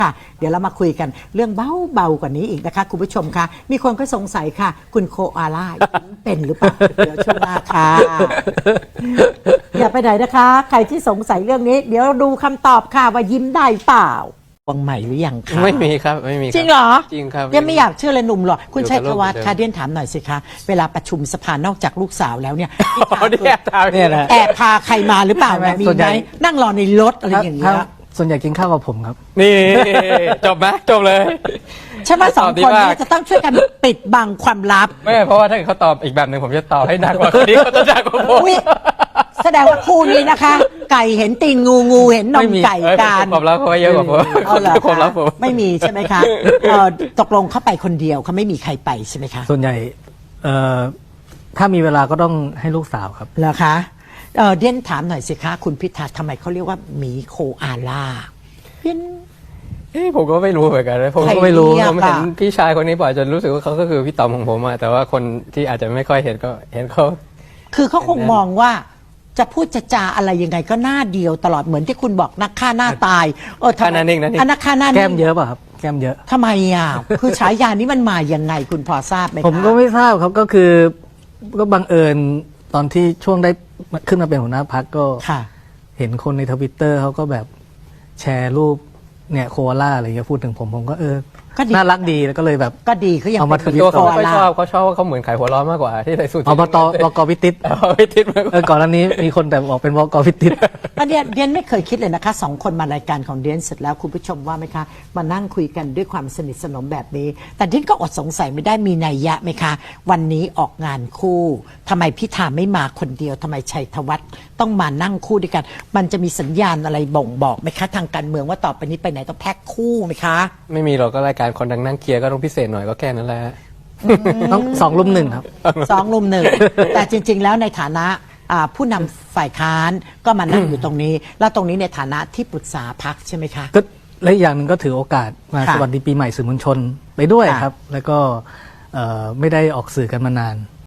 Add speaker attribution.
Speaker 1: ค่ะเดี๋ยวเรามาคุยกันเรื่องเบาๆกว่านี้อีกนะคะคุณผู้ชมคะมีคนก็สงสัยค่ะ คุณโคอาล่าเป็นหรือเปล่าเดี๋ยวช่วงหน้าค่ะอย่าไปไหนนะคะ ใครที่สงสัยเรื่องนี้ เดี๋ยวดูคำตอบค่ะว่ายิ้มได้เปล่าวังใหม่หรือยังคะ
Speaker 2: ไม่มีครับไม่มีคบ
Speaker 1: จริงเหรอ
Speaker 2: จริงครับ
Speaker 1: ยังไม่อยากเชื่อเลยหนุ่มหรอคุณชัยธวัฒน์
Speaker 2: อยู่กับโลก
Speaker 1: คะเดียนถามหน่อยสิคะเวลาประชุมสภานอกจากลูกสาวแล้วเนี่ย
Speaker 2: อ๋อเนี่ยตามเนี่ยนะ
Speaker 1: แอบพาใครมาหรือเปล่า
Speaker 3: ไม่
Speaker 1: มี
Speaker 3: ส่วน
Speaker 1: ไห
Speaker 3: ให
Speaker 1: ม
Speaker 3: ญ่
Speaker 1: นั่งรอในรถอะไรอย่างเงี้ย
Speaker 3: ส่วนใหญ่กินข้าวกับผมครับ
Speaker 2: นี่จบไหมจบเลย
Speaker 1: ฉันว่าสอง
Speaker 2: ตอบดี
Speaker 1: คน
Speaker 2: มาก
Speaker 1: นี้จะต้องช่วยกันปิดบังความลับ
Speaker 2: ไม่เพราะว่าถ้าเกิดเขาตอบอีกแบบหนึ่งผมจะตอบให้หนักกว่าคนนี้เขาจะหนักกว่าผม
Speaker 1: อุ๊ยแสดงว่าคู่นี้นะคะ ไก่เห็นตีนงูงูเห็นน
Speaker 2: ไม่
Speaker 1: ม
Speaker 2: มี
Speaker 1: ไก่กัน
Speaker 2: ความลับเขาไว้เยอะกว่าผม
Speaker 1: เอาเหรอ
Speaker 2: ความลับ
Speaker 1: คะ
Speaker 2: ผม
Speaker 1: ไม่มีใช่ไหมคะตกลงเขาไปคนเดียวเขาไม่มีใครไปใช่ไหมคะ
Speaker 3: ส่วนใหญ่ถ้ามีเวลาก็ต้องให้ลูกสาวครับ
Speaker 1: เหรอคะเดียนถามหน่อยสิคะคุณพิธาทำไมเขาเรียกว่าหมีโคอาล่าเดียน
Speaker 2: ผมก็ไม่รู้เหมือนกันนะผม
Speaker 1: ใคร
Speaker 2: ก็ไม่รู้
Speaker 1: เรียก
Speaker 2: ผมเห็น
Speaker 1: อะ
Speaker 2: พี่ชายคนนี้บ่อยจนรู้สึกว่าเขาก็คือพี่ต๋อมของผมอะแต่ว่าคนที่อาจจะไม่ค่อยเห็นก็เห็นเขา
Speaker 1: คือเขาคงมองว่าจะพูดจะจาอะไรยังไงก็หน้าเดียวตลอดเหมือนที่คุณบอกนักฆ่าหน้าตายทำไม
Speaker 2: ฆ่าหน้านิ่งนะนี่
Speaker 1: อันนักฆ่าหน้านิ่ง
Speaker 3: แก้มเยอะป่ะครับ แก้มเยอะ
Speaker 1: ทำไมอ่ะ คือฉายานี้มันมายังไงคุณพอทราบไหมคะ
Speaker 3: ผมก็ไม่ทราบครับก็คือก็บังเอิญตอนที่ช่วงได้ขึ้นมาเป็นหัวหน้าพรรคก็
Speaker 1: ค่ะ
Speaker 3: เห็นคนในทวิตเตอร์เขาก็แบบแชร์รูปเนี่ยโคอาล่าอะไรเงี้ยพูดถึงผมก็
Speaker 1: ก็ดี
Speaker 3: น่ารักดีแล้วก็เลยแบบ
Speaker 1: ก็ดีเขายัง
Speaker 3: เอามา
Speaker 1: เป็น
Speaker 3: ทวิต
Speaker 2: ตัวเขาไม่ค่อย
Speaker 1: โคอา
Speaker 2: ช
Speaker 1: ล่า
Speaker 2: อบเขาชอบว่าเขาเหมือนไข่หัวร้อนมากกว่าที่ใส่สูท
Speaker 3: อบตบกพิติศ
Speaker 2: ไม่ติดมากกว่า
Speaker 3: ก่อนหน้านี้มีคนแต่บอกเป็นบกพิติศ
Speaker 1: อันเนี้ยเดียนไม่เคยคิดเลยนะคะสองคนมารายการของเดียนเสร็จแล้วคุณผู้ชมว่าไหมคะมานั่งคุยกันด้วยความสนิทสนมแบบนี้ แต่เดียนก็อดสงสัยไม่ได้มีนัยยะไหมคะ วันนี้ออกงานคู่ทำไมพิธาไม่มาคนเดียวทำไมชัยธวัฒน์ต้องมานั่งคู่ด้วยกัน มันจะมีสัญญาณอะไรบ่งบอกไหมคะทางการเมืองว่าต่อไปนี้ไปไหนต้องแพ็คคู่ไหมคะ
Speaker 2: ไม่มีหรอกก็รายการคนดังนั่งเคลียร์ก็ต้องพิเศษหน่อยก็แค่นั้นแหละ
Speaker 3: ต้อง2-1ครับ
Speaker 1: สองลุมหนึ่ง แต่จริง ๆ แล้วในฐานะผู้นำฝ่ายค้านก็มานั่งอยู่ตรงนี้ แล้วตรงนี้ในฐานะที่ปรึกษาพรรคใช่ไหมคะ
Speaker 3: ก็และอีกอย่างหนึ่งก็ถือโอกาสมา
Speaker 1: ค่ะ
Speaker 3: สวัสดีปีใหม่สื่อมวลชนไปด้วย
Speaker 1: ค่ะ
Speaker 3: ครับ แล้วก็ไม่ได้ออกสื่อกันมานาน